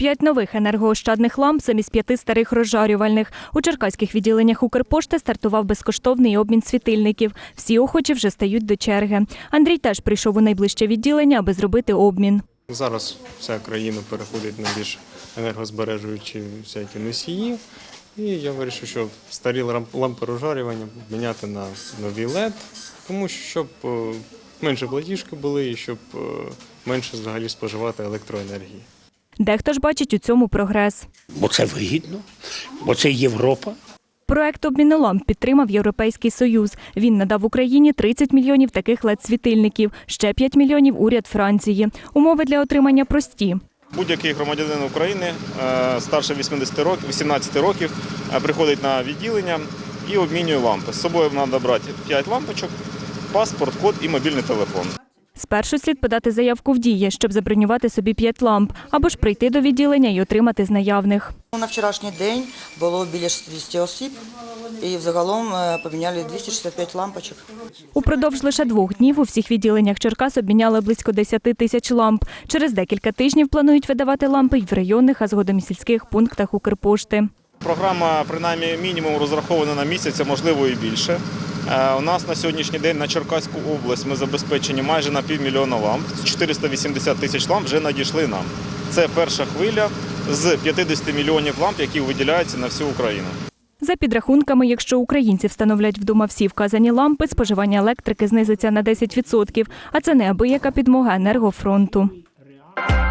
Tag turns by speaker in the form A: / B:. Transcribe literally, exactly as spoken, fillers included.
A: П'ять нових енергоощадних ламп замість п'яти старих розжарювальних. У черкаських відділеннях Укрпошти стартував безкоштовний обмін світильників. Всі охочі вже стають до черги. Андрій теж прийшов у найближче відділення, аби зробити обмін.
B: Зараз вся країна переходить на більш енергозбережуючі всякі носії. І я вирішив, що старі лампи розжарювання міняти на нові лед, тому що щоб менше платіжки були і щоб менше взагалі споживати електроенергії.
A: Дехто ж бачить у цьому прогрес.
C: Бо це вигідно, бо це Європа.
A: Проект обміну ламп підтримав Європейський Союз. Він надав Україні тридцять мільйонів таких лед-світильників, ще п'ять мільйонів – уряд Франції. Умови для отримання прості.
D: Будь-який громадянин України старше вісімнадцяти років приходить на відділення і обмінює лампи. З собою треба брати п'ять лампочок, паспорт, код і мобільний телефон.
A: Спершу слід подати заявку в Дії, щоб забронювати собі п'ять ламп, або ж прийти до відділення і отримати з наявних.
E: На вчорашній день було біля шістдесят осіб і взагалом поміняли двісті шістдесят п'ять лампочок.
A: Упродовж лише двох днів у всіх відділеннях Черкас обміняли близько десяти тисяч ламп. Через декілька тижнів планують видавати лампи й в районних, а згодом і сільських пунктах Укрпошти.
D: Програма, принаймні, мінімум розрахована на місяць, а можливо і більше. У нас на сьогоднішній день на Черкаську область ми забезпечені майже на півмільйона ламп. чотириста вісімдесят тисяч ламп вже надійшли нам. Це перша хвиля з п'ятдесят мільйонів ламп, які виділяються на всю Україну.
A: За підрахунками, якщо українці встановлять вдома всі вказані лампи, споживання електрики знизиться на десять відсотків, а це неабияка підмога енергофронту.